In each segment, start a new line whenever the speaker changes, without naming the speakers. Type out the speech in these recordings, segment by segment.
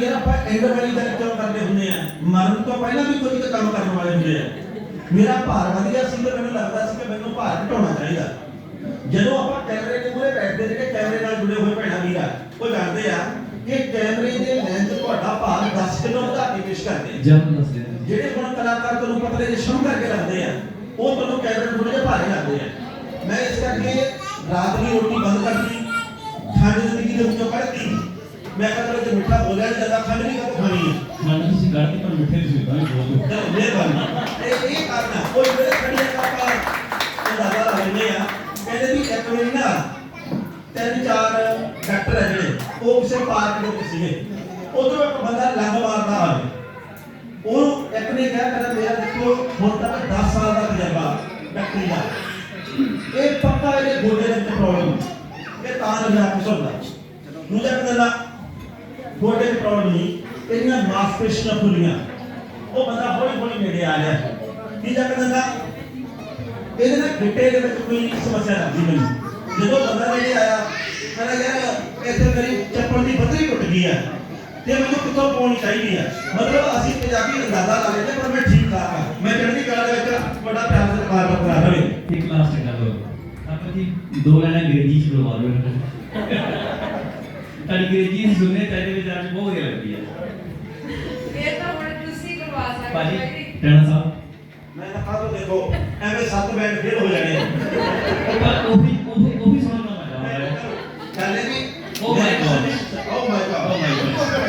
यार ਆਪਾਂ ਐਂਡ ਵਾਲੀ ਗੱਲ ਕਿਉਂ ਕਰਦੇ ਹੁੰਦੇ ਆ ਮਰਨ ਤੋਂ ਪਹਿਲਾਂ ਵੀ ਕੋਈ ਕੰਮ ਕਰਨ ਵਾਲੇ ਹੁੰਦੇ ਆ ਮੇਰਾ ਭਾਰ ਵਧ ਗਿਆ ਸੀ ਤੇ ਮੈਨੂੰ ਲੱਗਦਾ ਸੀ ਕਿ ਮੈਨੂੰ ਭਾਰ ਘਟਾਉਣਾ ਚਾਹੀਦਾ ਜਦੋਂ ਆਪਾਂ ਕੈਮਰੇ ਦੇ ਮੂਹਰੇ ਬੈਠਦੇ ਜਿਹੜੇ ਕੈਮਰੇ ਨਾਲ ਜੁੜੇ ਹੋਏ ਭੈਣਾਂ ਵੀਰਾ ਉਹ ਜਾਣਦੇ ਆ ਕਿ ਕੈਮਰੇ ਦੇ ਲੈਂਸ ਤੁਹਾਡਾ ਭਾਰ 10 ਕਿਲੋ ਵਧਾ ਕੇ ਪੇਸ਼ ਕਰਦੇ
ਜ਼ਬਰਦਸਤ
ਜਿਹੜੇ ਹੁਣ ਕਲਾਕਾਰ ਤੁਹਾਨੂੰ ਪਤਲੇ ਜਿਹੇ ਸ਼ੁਰੂ ਕਰਕੇ ਲੱਗਦੇ ਆ ਉਹ ਤੁਹਾਨੂੰ ਕੈਮਰੇ ਨੂੰ ਥੋੜੇ ਜਿਹਾ ਭਾਰੇ ਲੱਗਦੇ ਆ ਮੈਂ ਇਸ ਕਰਕੇ ਰਾਤ ਦੀ ਰੋਟੀ ਬੰਦ ਕਰਤੀ ਖਾਣੇ ਜ਼ਿੰਦਗੀ ਦੇ ਵਿੱਚੋਂ ਕੱਢਤੀ ਮੈਂ ਕਹਿੰਦਾ ਜੇ ਮਿੱਠਾ ਬੋਲਿਆ ਜਾਂਦਾ ਖੰਡ ਨਹੀਂ ਖਾਣੀ ਹੈ
ਖਾਣਾ ਤੁਸੀਂ ਕੱਢ ਕੇ ਪਰ ਮਿੱਠੇ ਦੀ ਸੁਵਿਧਾ ਵੀ ਬਹੁਤ
ਚਲੋ ਮਿਹਰਬਾਨੀ ਇਹ ਕਰਨਾ ਕੋਈ ਮੇਰੇ ਖੜੀਆਂ ਆਪਾਂ ਅੰਦਾਜ਼ਾ ਲਾ ਲੈਂਦੇ ਆ ਕਹਿੰਦੇ ਵੀ ਇੱਕ ਵਾਰੀ ਨਾ 3-4 ਡਾਕਟਰ ਹੈ ਜਿਹੜੇ ਉਹ ਕਿਸੇ ਪਾਰਕ ਦੇ ਵਿੱਚ ਸੀਗੇ ਉਧਰੋਂ ਇੱਕ ਬੰਦਾ ਲੰਘ ਮਾਰਦਾ ਆਵੇ ਉਹ ਇੱਕ ਨੇ ਕਿਹਾ ਕਹਿੰਦਾ ਮੇਰਾ ਦੇਖੋ ਹੁਣ ਤੱਕ 10 ਸਾਲ ਦਾ ਤਜਰਬਾ ਡਾਕਟਰੀ ਦਾ ਇਹ ਪੱਕਾ ਇਹਦੇ ਗੋਡੇ ਦੇ ਵਿੱਚ ਪ੍ਰੋਬਲਮ ਇਹ ਤਾਂ ਲੱਗਦਾ ਕੁਛ ਹੁੰਦਾ ਦੂਜਾ ਕਹਿੰਦਾ ਗੋਡੇ ਦੀ ਪ੍ਰੋਬਲਮ ਨਹੀਂ ਇਹਦੀਆਂ ਮਾਸਪੇਸ਼ੀਆਂ ਫੁੱਲੀਆਂ ਉਹ ਬੰਦਾ ਹੌਲੀ ਹੌਲੀ ਨੇੜੇ ਆ ਰਿਹਾ ਤੀਜਾ ਕਹਿੰਦਾ ਇਹਦੇ ਨਾਲ ਗਿੱਟੇ ਦੇ ਵਿੱਚ ਕੋਈ ਸਮੱਸਿਆ ਲੱਗਦੀ ਮੈਨੂੰ ਜਦੋਂ ਬੰਦਾ ਨੇੜੇ ਆਇਆ ਕਹਿੰਦਾ ਯਾਰ ਇੱਥੇ ਮੇਰੀ ਚੱਪਲ ਦੀ ਬੱਤਰੀ ਟੁੱਟ ਗਈ ਹੈ ਤੇ ਮੈਨੂੰ ਕਿੱਥੋਂ ਪਾਉਣੀ ਚਾਹੀਦੀ ਹੈ ਮਤਲਬ ਅਸੀਂ ਪੰਜਾਬੀ ਅੰਦਾਜ਼ਾ ਲਾ ਲੈਂਦੇ ਪਰ ਮੈਂ ਠੀਕ ਠਾਕ ਹਾਂ ਮੈਂ ਚੜ੍ਹਦੀ ਕਲਾ ਦੇ ਵਿੱਚ ਬੜਾ ਪਿਆਰ ਸਤਿਕਾਰ ਬਰਕਰਾਰ ਰਹੇ
ਇੱਕ ਲਾਸਟ ਗੱਲ ਆਪਾਂ ਜੀ ਦੋ ਲੈਣਾ ਅੰਗਰੇਜ਼ੀ ਚ ਬੁਲਵਾ ਦਿਓ ਤੁਹਾਡੀ ਅੰਗਰੇਜ਼ੀ ਸੁਣਨੇ ਚਾਹੀਦੇ ਵਿੱਚ ਅੱਜ ਬਹੁਤ ਵਧੀਆ ਲੱਗਦੀ ਹੈ
ਇਹ ਤਾਂ ਹੁਣ ਤੁਸੀਂ ਕਰਵਾ ਸਕਦੇ
ਭਾਜੀ ਟੈਣਾ ਸਾਹਿਬ
ਮੈਂ ਕਹਾ ਤੋ ਦੇਖੋ ਐਵੇਂ 7 ਬੈਂਡ ਫੇਲ ਹੋ ਜਾਣੇ
ਉਹ ਵੀ ਸੁਣਨਾ ਮਜ਼ਾ ਆ ਰਿਹਾ
ਚੱਲੇ ਵੀ
ਓ ਮਾਈ ਗॉड
ਓ ਮਾਈ ਗॉड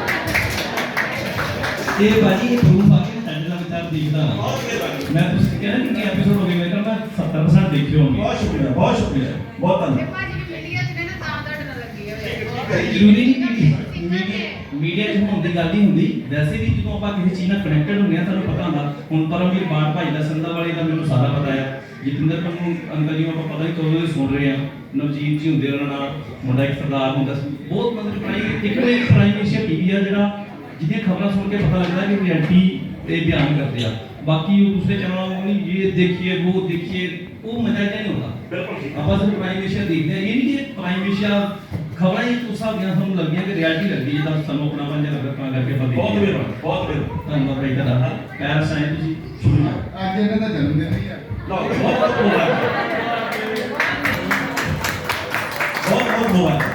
ਇਹ ਭਾਜੀ ਇਹ ਪ੍ਰੂਫ ਆ ਕੇ ਸਾਡੇ ਨਾਲ ਵਿਚਾਰ ਦੇਖਦਾ
ਬਹੁਤ ਮਿਹਰਬਾਨੀ
ਮੈਂ ਤੁਸੀਂ ਕਹਿੰਦਾ ਕਿ ਐਪੀਸੋਡ ਹੋ ਗਏ ਮੈਂ ਕਹਿੰਦਾ 70% ਦੇਖੇ ਹੋਣਗੇ
ਬਹੁਤ ਸ਼ੁਕਰੀਆ ਬਹੁਤ ਸ਼ੁਕਰੀਆ ਬਹੁਤ
ਤੇ
ਧੰਨਵਾਦ
ਭਾਜੀ ਮੀਡੀਆ 'ਚ ਨਾ ਤਾਂ ਤੁਹਾਡੇ ਨਾਲ ਲੱਗੀ ਹੋਵੇ
ਜ਼ਰੂਰੀ ਨਹੀਂ ਕਿ ਮੀਡੀਆ 'ਚ ਹੋਣ ਦੀ ਗੱਲ ਨਹੀਂ ਹੁੰਦੀ ਵੈਸੇ ਵੀ ਜਦੋਂ ਆਪਾਂ ਕਿਸੇ ਚੀਜ਼ ਨਾਲ ਕਨੈਕਟਡ ਹੁੰਦੇ ਆ ਤੁਹਾਨੂੰ ਪਤਾ ਹੁੰਦਾ ਹੁਣ ਪਰਮਵੀਰ ਬਾੜ ਭਾਈ ਦਾ ਸੰਧਾ ਵਾਲੇ ਦਾ ਮੈਨੂੰ ਸਾਰਾ ਪਤਾ ਹੈ ਜਤਿੰਦਰ ਪੰਨੂ ਅੰਕਲ ਜੀ ਨੂੰ ਆਪਾਂ ਪਤਾ ਨਹੀਂ ਕਦੋਂ ਦੇ ਸੁਣ ਰਹੇ ਆ ਨਵਜੀਤ ਜੀ ਹੁੰਦੇ ਉਹਨਾਂ ਨਾਲ ਮੁੰਡਾ ਇੱਕ ਸਰਦਾਰ ਹੁੰਦਾ ਸੀ ਬਹੁਤ ਮਤਲਬ ਇੱਕ ਪ੍ਰਾਈਮ ਏਸ਼ੀਆ ਟੀਵੀ ਆ ਜਿਹੜਾ ਜਿਹਦੀਆਂ ਖਬਰਾਂ ਸੁਣ ਕੇ ਪਤਾ ਲੱਗਦਾ ਕਿ ਰਿਐਲਿਟੀ ਤੇ ਬਿਆਨ ਕਰਦੇ ਆ ਬਾਕੀ ਉਹ ਦੂਸਰੇ ਚੈਨਲਾਂ ਨੂੰ ਨਹੀਂ ਇਹ ਦੇਖੀਏ ਉਹ ਦੇਖੀਏ ਉਹ ਮਜ਼ਾ ਨਹੀਂ ਹੁੰਦਾ
ਬਿਲਕੁਲ ਠੀਕ
ਆਪਾਂ ਸਿਰਫ ਪ੍ਰਾਈਮ ਏਸ਼ੀਆ ਦੇਖਦੇ ਆ ਇਹ ਨਹੀਂ ਕਿ ਪ੍ਰਾਈਮ ਏਸ਼ੀਆ ਖਬਰਾਂ ਹੀ ਉਸ ਹਿਸਾਬ ਦੀਆਂ ਸਾਨੂੰ ਲੱਗਦੀਆਂ ਕਿ ਰਿਐਲਿਟੀ ਲੱਗਦੀ ਜਿੱਦਾਂ ਸਾਨੂੰ ਆਪਣਾ ਪੰਜ ਲੱਗਦਾ ਤਾਂ ਕਰਕੇ ਆਪਾਂ
ਬਹੁਤ
ਦੇਖੀਏ
ਮਿਹਰਬਾਨੀ ਬਹੁਤ ਮਿਹਰਬਾਨੀ
ਧੰਨਵਾਦ ਭਾਈ ਤੁਹਾਡਾ ਪੈਰ ਸਾਇੰਸ ਤੁਸੀਂ ਸ਼ੁਰੂ
ਅੱਜ ਇਹਨਾਂ ਦਾ ਜਨਮ ਦਿਨ ਹੀ ਆ
ਲਓ ਬਹੁਤ ਬਹੁਤ ਮੁਬਾਰਕ